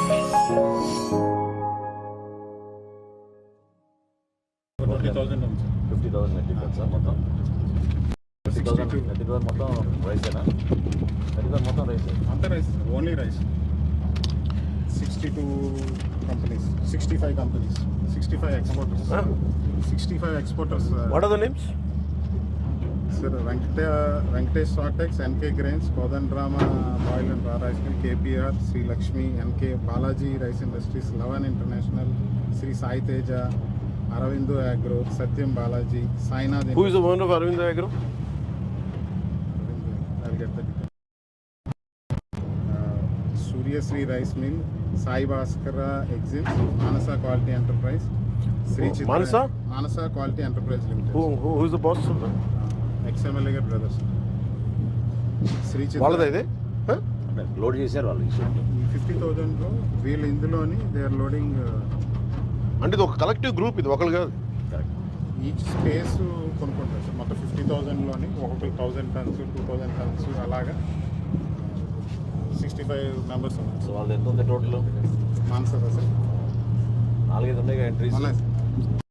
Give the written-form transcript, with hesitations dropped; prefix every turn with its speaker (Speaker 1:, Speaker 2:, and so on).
Speaker 1: 50,000 metric tons మొత్తం 50,000 metric tons మొత్తం రైసేనా? 50,000 మొత్తం రైస్
Speaker 2: అంతా rice, only rice. 62 companies, 65 companies, 65 exporters. 65 exporters.
Speaker 3: What are the names?
Speaker 2: Sir, Venkatesh Sortex, NK Grains, Kodandrama Oil and Raw Rice Mill, KPR, Sri Lakshmi, NK Balaji Rice Industries, Lavan International, Sri Sai Teja, Aravindu Agro, Satyam Balaji, Sainath.
Speaker 3: Who is the owner of Aravindu Agro?
Speaker 2: I'll get that. Surya Sri Rice Mill, Sai Bhaskara Exim, Manasa Quality Enterprise, Sri Chitra. Manasa Quality Enterprise Limited.
Speaker 3: Who is the boss of that?
Speaker 2: XMLA brothers. Sri Chitra.
Speaker 3: వాళ్ళదే ఇది
Speaker 1: load చేశారు వాళ్ళు.
Speaker 2: 50,000 వీళ్ళు ఇందులోని they are loading.
Speaker 3: అంటే ఇది ఒక collective group, ఇది ఒకళ్ళు కాదు.
Speaker 2: ఈచ్ స్పేస్ కొనుక్కుంటారు సార్. మొత్తం 50,000లోని ఒక్కొక్కరు 1,000 tons 2,000 tons అలాగా 65 మెంబర్స్ ఉన్నారు.
Speaker 1: సో వాళ్ళు ఎంత ఉంది టోటల్?
Speaker 2: మాన్సర్ సార్
Speaker 1: 4-5 ఉన్నాయి ఎంట్రీస్.